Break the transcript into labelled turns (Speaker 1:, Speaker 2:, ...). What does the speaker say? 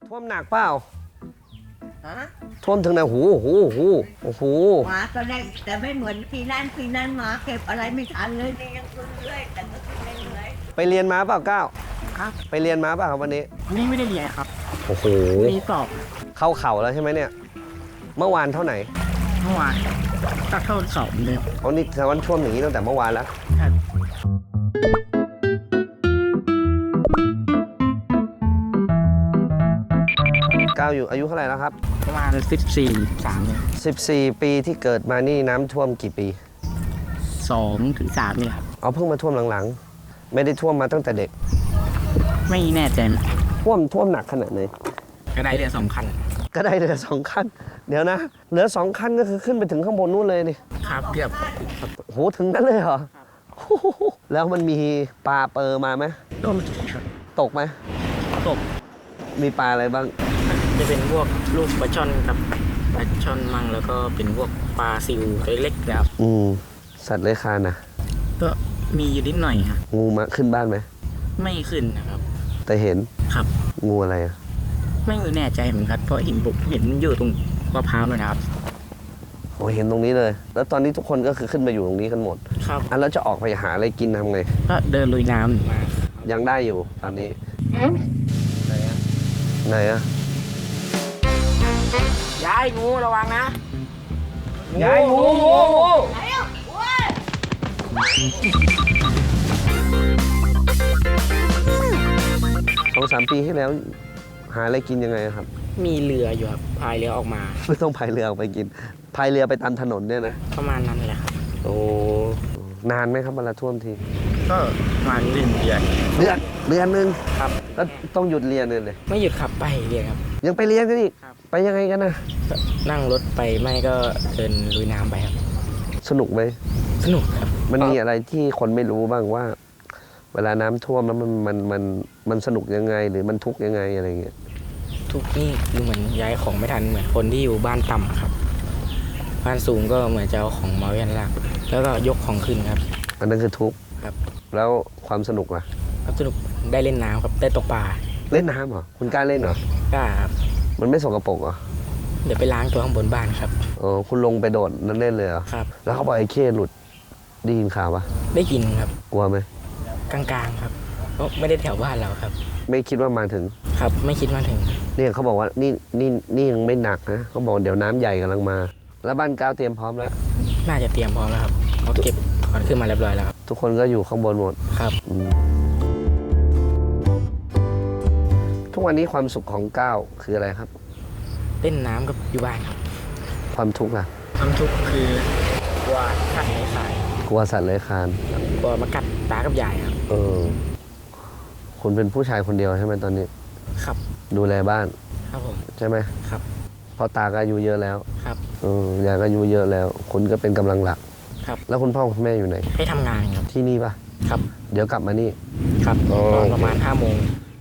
Speaker 1: ท่วมหนักเปล่า
Speaker 2: ฮะ
Speaker 1: ท่วมถึงไหนโอ้โห
Speaker 2: มาก็ได้แต่ไม่เหมือนปีนั้นมาเก็บอะไรไม่ทันเลยนี่ยังขึ้นเรื่อยแต่ก็ขึ้นเรื่อย
Speaker 1: ไปเรียนมาเปล่าก้าว
Speaker 3: ครับ
Speaker 1: ไปเรียนมาเปล่าครับวันนี้
Speaker 3: นี่ไม่ได้เรียนครับ
Speaker 1: โอ้โห
Speaker 3: มีสอบ
Speaker 1: เข้าเข่าแล้วใช่ไหมเนี่ย เมื่อวานเท่าไหร่
Speaker 3: เมื่อวานก็เข้าสอบเลย
Speaker 1: เอานี่แสดงว่าท่วมอย่างนี้ตั้งแต่เมื่อวานแล้ว
Speaker 3: ครับ
Speaker 1: ก้าวอยู่อายุเท่าไหร่แล้วครับ
Speaker 3: ประมาณ14 3เนี่ย
Speaker 1: 14 ปีที่เกิดมานี่น้ำท่วมกี่ปี
Speaker 3: 2 ถึง 3เนี่ยครับ
Speaker 1: เอาเพิ่งมาท่วมหลังๆ ไม่ได้ท่วมมาตั้งแต่เด็ก
Speaker 3: ไม่แน่ใจ
Speaker 1: ท่วมหนักขนาดไหน
Speaker 3: ก็ได้เรือ2 คัน
Speaker 1: ก็ได้เรือ2 คัน เดี๋ยวนะเหลือ2 คันก็คือขึ้นไปถึงข้างบนนู้นเลยนี่
Speaker 3: ครับเกือบ
Speaker 1: โหถึงนั้นเลยเหรอโอ้โหแล้วมันมีปลาเปอร์มาไหม
Speaker 3: ร่วมครับ
Speaker 1: ตกไหม
Speaker 3: ตก
Speaker 1: มีปลาอะไรบ้าง
Speaker 3: จะเป็นพวกลูกปลาช่อนกับปลาช่อนมั่งแล้วก็เป็นพวกปลาซิวเล็กๆนะครับ
Speaker 1: สัตว์เลื้อยคลานนะ
Speaker 3: ก็มีอยู่นิดหน่อยครับ
Speaker 1: งูมาขึ้นบ้านไหม
Speaker 3: ไม่ขึ้นนะครับ
Speaker 1: แต่เห็น
Speaker 3: ครับ
Speaker 1: งูอะไรอะ
Speaker 3: ไม่แน่ใจเหมือนกันเพราะเห็นบุกเห็นอยู่ตรงมะพร้าวเลยนะครับ
Speaker 1: โอ้เห็นตรงนี้เลย แล้วตอนนี้ทุกคนก็คือขึ้นมาอยู่ตรงนี้กันหมด
Speaker 3: ครับ
Speaker 1: อ่ะแล้วจะออกไปหาอะไรกินทำไง
Speaker 3: ก็เดินลุยน้ำมา
Speaker 1: ยังได้อยู่ตอนนี้ไหนอะ
Speaker 3: ยายงูระวังนะ
Speaker 1: ยายงู
Speaker 2: ๆแล้วโอ้ย
Speaker 1: 2-3 ปีที่แล้ว หาอะไรกินยังไงครับ
Speaker 3: มีเรืออยู่ครับพายเรือออกมา
Speaker 1: ไม่ต้องพายเรือออกไปกินพายเรือไปตามถนนเนี่ยนะ
Speaker 3: ประมาณนั้นแหละครับ
Speaker 1: โอ้นานไหมครับเวลาท่วมที
Speaker 3: ก็ประมาณ1 เดือน
Speaker 1: เดือนนึง
Speaker 3: ครับ
Speaker 1: แล้วต้องหยุดเรียนเลย
Speaker 3: ไม่หยุดขับไปเรียนครับ
Speaker 1: ยังไปเรียนกันอีก
Speaker 3: ครับ
Speaker 1: ไปยังไงกันนะ
Speaker 3: ก็นั่งรถไปไม่ก็เดินลุยน้ำไปครับ
Speaker 1: สนุกไหม
Speaker 3: สนุกครับ
Speaker 1: มันมีอะไรที่คนไม่รู้บ้างว่า เวลาน้ำท่วมแล้วมันสนุกยังไง หรือมันทุกข์ยังไงอะไรเงี้ย
Speaker 3: ทุกนี่คือเหมือนย้ายของไม่ทันเหมือนคนที่อยู่บ้านต่ำอะครับบ้านสูงก็เหมือนจะเอาของมาไว้ด้านล่างแล้วก็ยกของขึ้นครับ
Speaker 1: อันนั้นคือทุกข์
Speaker 3: ครับ
Speaker 1: แล้วความสนุกล่ะ
Speaker 3: ครับสนุกได้เล่นน้ำครับได้ตกปลา
Speaker 1: เล่นน้ำเหรอคุณกล้าเล่นเหรอก
Speaker 3: ล้าครับ
Speaker 1: มันไม่สกปรกเหรอ
Speaker 3: เดี๋ยวไปล้างตัวข้างบนบ้านครับ
Speaker 1: คุณลงไปโดดนั่นเล่นเลยเหรอ
Speaker 3: ครับ
Speaker 1: แล้วเขาบอกไอ้เข้หลุดได้ยินข่าวปะ
Speaker 3: ได้กินครับ
Speaker 1: กลัวไหม
Speaker 3: กลางๆครับเพราะไม่ได้แถวบ้านเราครับ
Speaker 1: ไม่คิดว่ามาถึง
Speaker 3: ครับ ไม่คิดว่าถึง
Speaker 1: เนี่ยเขาบอกว่านี่ยังไม่หนักนะเขาบอกเดี๋ยวน้ำใหญ่กำลังมา แล้วบ้านก้าวเตรียมพร้อมแล้ว
Speaker 3: น่าจะเตรียมพร้อมแล้วครับเขาเก็บขอนขึ้นมาเรียบร้อยแล้วครับ
Speaker 1: ทุกคนก็อยู่ข้างบนหมด
Speaker 3: ครับ
Speaker 1: ทุกวันนี้ความสุขของก้าวคืออะไรครับ
Speaker 3: เล่นน้ำกับอยู่บ้านครับ
Speaker 1: ความทุกข์ล่ะ
Speaker 3: ความทุกข์คือกลัวขัดในสาย
Speaker 1: กลัวสัตว์เลื้อยคลาน
Speaker 3: กลัวมากัดตากับยายครับ
Speaker 1: คุณเป็นผู้ชายคนเดียวใช่ไหมตอนนี้
Speaker 3: ครับ
Speaker 1: ดูแลบ้าน
Speaker 3: ครับผม
Speaker 1: ใช่ไหม
Speaker 3: ครับ
Speaker 1: เพราะตาก็อายุเยอะแล้ว
Speaker 3: ครับ
Speaker 1: ยายก็อายุเยอะแล้ว คุณก็เป็นกำลังหลัก
Speaker 3: ครับ
Speaker 1: แล้วคุณพ่อคุณแม่อยู่ไหน
Speaker 3: ให้ทำงานครับ
Speaker 1: ที่นี่ปะ
Speaker 3: ครับ
Speaker 1: เดี๋ยวกลับมานี่
Speaker 3: ครับ
Speaker 1: อ๋อ
Speaker 3: ตอนประมาณ5 โมง